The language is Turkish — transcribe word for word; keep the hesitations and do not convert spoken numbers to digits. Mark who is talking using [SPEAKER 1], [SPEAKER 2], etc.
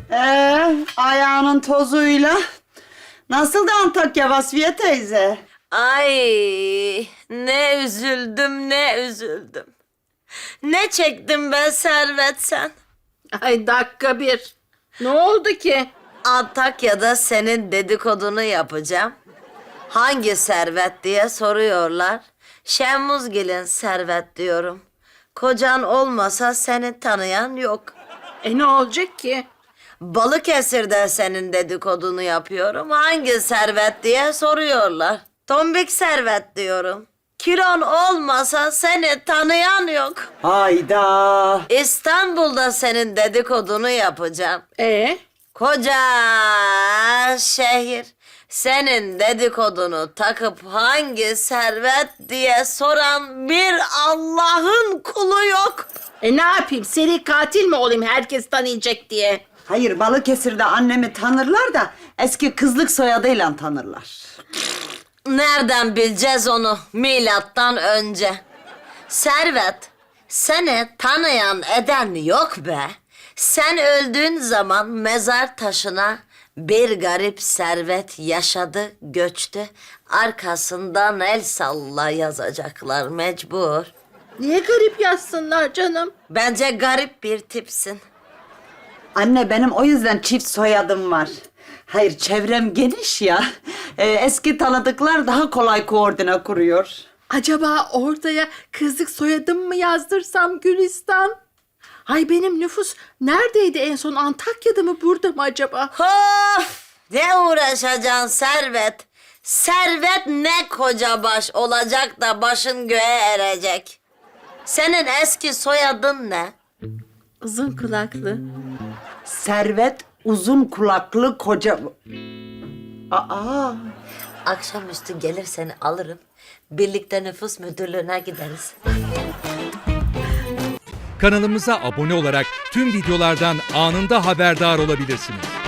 [SPEAKER 1] Ee, ayağının tozuyla. Nasıldı Antakya Vasfiye teyze?
[SPEAKER 2] Ay ne üzüldüm ne üzüldüm. Ne çektim ben Servet sen?
[SPEAKER 3] Ay dakika bir. Ne oldu ki?
[SPEAKER 2] Antakya'da senin dedikodunu yapacağım. Hangi Servet diye soruyorlar. Şemmuzgil'in Servet diyorum. Kocan olmasa seni tanıyan yok.
[SPEAKER 3] E ne olacak ki?
[SPEAKER 2] Balıkesir'de senin dedikodunu yapıyorum. Hangi Servet diye soruyorlar. Tombik Servet diyorum. Kilon olmasa seni tanıyan yok.
[SPEAKER 1] Hayda.
[SPEAKER 2] İstanbul'da senin dedikodunu yapacağım.
[SPEAKER 3] E
[SPEAKER 2] Koca şehir senin dedikodunu takıp hangi Servet diye soran bir Allah'ın kulu yok.
[SPEAKER 3] E ne yapayım? Seri katil mi olayım herkes tanıyacak diye?
[SPEAKER 1] Hayır, Balıkesir'de annemi tanırlar da eski kızlık soyadıyla tanırlar.
[SPEAKER 2] Nereden bileceğiz onu milattan önce? Servet, seni tanıyan eden yok be. Sen öldüğün zaman mezar taşına bir garip servet yaşadı, göçtü. Arkasından el salla yazacaklar mecbur.
[SPEAKER 3] Niye garip yazsınlar canım?
[SPEAKER 2] Bence garip bir tipsin.
[SPEAKER 1] Anne, benim o yüzden çift soyadım var. Hayır, çevrem geniş ya. Ee, eski tanıdıklar daha kolay koordine kuruyor.
[SPEAKER 3] Acaba ortaya kızlık soyadım mı yazdırsam Gülistan? Ay benim nüfus neredeydi en son? Antakya'da mı burada mı acaba?
[SPEAKER 2] Of! Ne uğraşacaksın Servet? Servet ne koca baş olacak da başın göğe erecek. Senin eski soyadın ne?
[SPEAKER 3] Uzun kulaklı.
[SPEAKER 1] Servet uzun kulaklı koca... Aa,
[SPEAKER 2] Akşamüstü gelir seni alırım. Birlikte nüfus müdürlüğüne gideriz.
[SPEAKER 4] Kanalımıza abone olarak tüm videolardan anında haberdar olabilirsiniz.